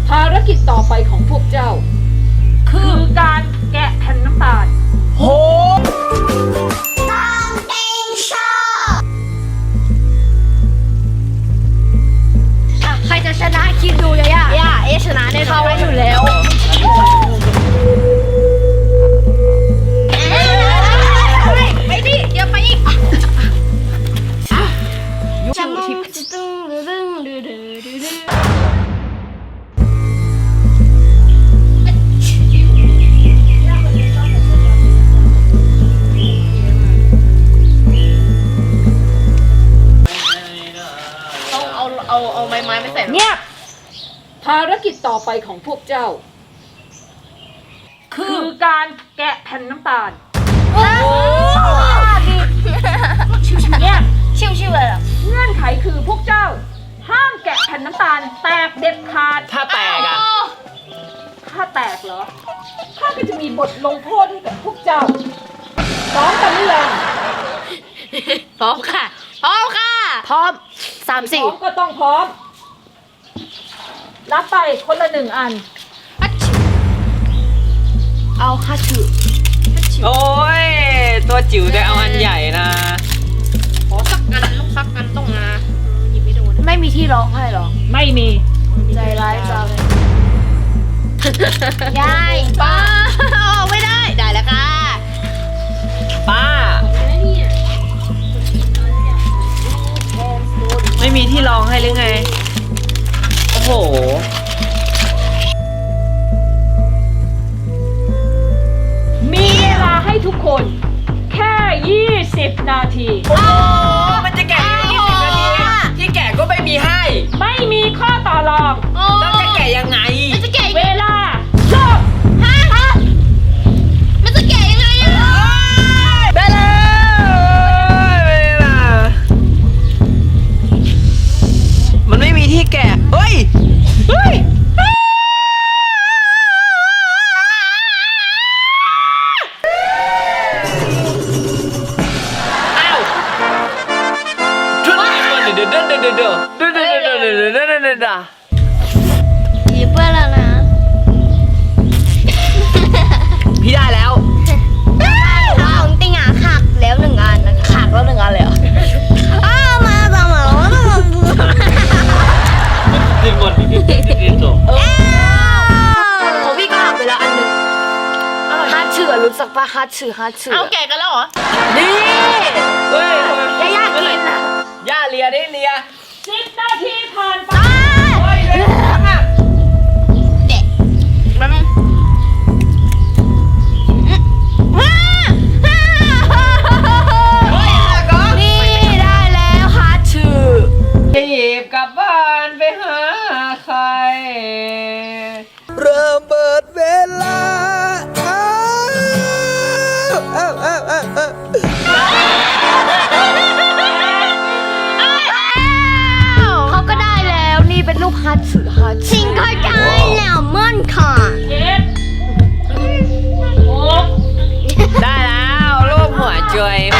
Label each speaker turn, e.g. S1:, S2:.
S1: ภารกิจต่อไปของพวกเจ้า คือการแกะแผ่นน้ำตาล
S2: โห
S3: ใครจะชนะคิดดูย่าชนะแน่นอนเขาอยู่แล้วไปดิเดี๋ยวไปอีกจะมองจะตึ้งดึงดึงดึงดึงดึงเอาไม้ไม่ใส่เงียบ
S1: ภารกิจต่อไปของพวกเจ้า คือการแกะแผ่นน้ำตาล
S3: ชิวๆเนี่ยชิวๆเลยเหรอ
S1: เงื่อนไขคือพวกเจ้า ห้ามแกะแผ่นน้ำตาลแตกเด็ดขาด
S2: ถ้าแตกอะ
S1: ถ้าแตกเหรอข้าก็จะมีบทลงโทษให้กับพวกเจ้าพร้อมกันหรือยัง
S3: พร้อมค่ะพร้อม3-4
S1: พร้อมก็ต้องพร้อมรับไปคนละ1 อัน
S3: เอาค่ะถือ
S2: โอ้ยตัวจิ๋วแต่เอาอันใหญ่นะ
S3: ขอสักอันลูกสักอันต้องมาหยิบไม่โดนไม่มีที่ร้องให้หรอ
S1: ไม่มี
S3: ใจร้ายจังยายป้าไม่ได้แล้วค่ะ
S2: ป้าไม่มีที่รองให้หรือไงโอ้โห
S1: มีเวลาให้ทุกคนแค่20 นาที
S2: โอ้มันจะแกะ20 นาทีที่แกะก็ไม่มีให้
S1: ไม่มีข้อต่อรอง
S2: แล้วจะแกะยังไง
S1: เวลาจบ
S3: มันจะแกะยังไงอะ
S2: ได้แล้วเวลามันไม่มีที่แกะเฮ้ย
S3: หยิบไปแล้วนะ
S2: พี่ได้แล้ว
S3: ของติงอ่ะขักแล้ว1 อันนะขักแล้ว1 อันเลยเหรอมาแล้ว
S2: ดิ้นหมดดิ้นจบ
S3: ของพี่ก็หักไปแล้วอันนึงฮาร์ดเฉื่อรู้จักปะฮาร์ดเฉื่อเอาแกะกันแล้วเหรอ
S2: นี่เฮ้ย
S3: ย่ากินนะ
S2: ย่าเลียได้เลีย
S1: 10 นาทีผ่านไป
S3: เด็กมันนี่ได้แล้วฮาร์ดเฉื่อ
S2: จะหยิบกลับบ้านไปหาใครเริ่มเปิดเวลา
S3: เขาก็ได้แล้วนี่เป็นรูปฮาร์ดเฉื่อชิงก็ได้แล้วมั่นค่ะ
S1: 7 6
S2: ได้แล้วรูปหัวใจ